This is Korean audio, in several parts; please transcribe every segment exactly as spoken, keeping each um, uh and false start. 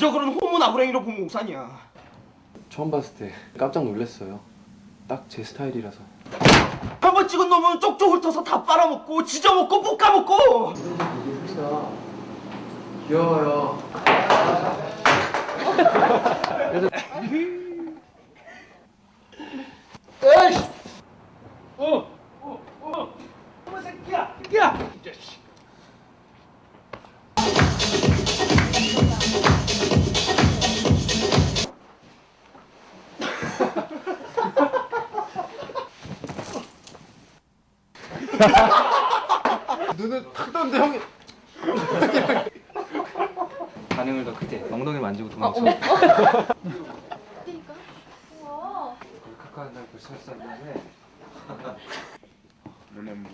이적으로는 호모 나부랭이로 본 몽산이야. 처음 봤을 때 깜짝 놀랐어요. 딱 제 스타일이라서. 한 번 찍은 놈은 쪽쪽 훑어서 다 빨아먹고 지져먹고 볶아먹고. 귀여워요. 에이씨! 어! 어! 어! 어머 새끼야! 새끼야! 이 자식. 눈을 탁 떴는데 형이 반응을 더 크게 엉덩이 만지고 도망쳐. 그러니까. 우와. 카카오 날 벌써 했었는데. 눈에 뭐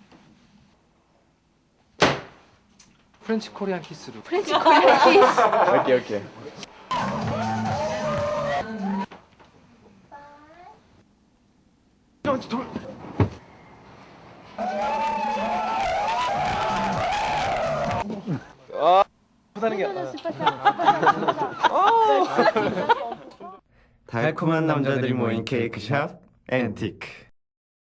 프렌치 코리안 키스로. 프렌치 코리안 키스. 오케이 오케이. 형, 돌. 아, 하다는 게. 달콤한 남자들이 모인 케이크샵 앤티크.